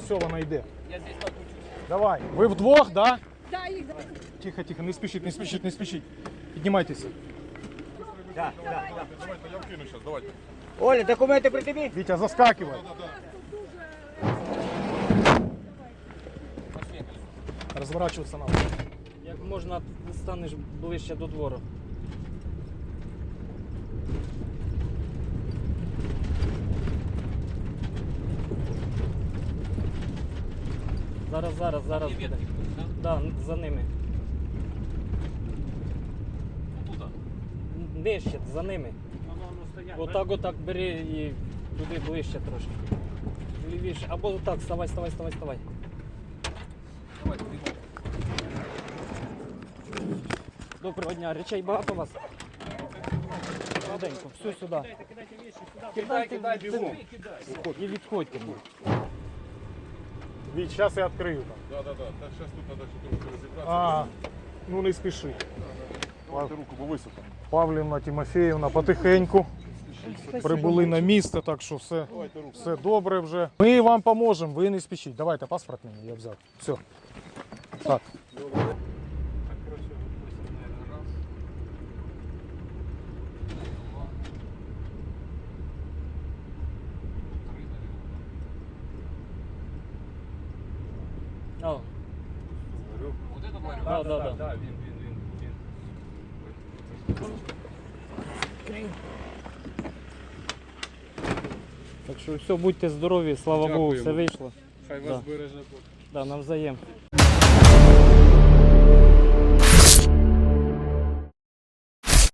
все, вона йде. Я здесь покручусь. Давай. Ви вдвох, да? Да, їх. Тихо, тихо, не спішіть, не спішіть, не спішіть. Піднімайтеся. Да, да, да. Давайте, я вкину сейчас, давайте. Оля, документи при тобі? Вітя, заскакивай. Розворачуватися надо. Як можна станеш ближче до двору. Зараз буде. Да, за ними. Нижче, за ними. Отак бери і туди ближче трошки. Лівіше. Або отак, вставай. Доброго дня, речей багато у вас? Швиденько, все сюди. Кидай, бігом. І відходьте. Віть, зараз я відкрию там. Да. Так, сейчас тут надо что-то розібратися. А, ну не спіши. Давайте руку, бо високо. Павлівна, Тимофіївна потихеньку прибули на місце, так що все добре вже. Ми вам поможемо, ви не спішіть. Давайте паспорт мені, я взяв. Все. Так. О. Вот это говорю? Да, він. Так що все, будьте здорові, слава Богу, все вийшло. Хай вас береже Бог. Да, навзаєм.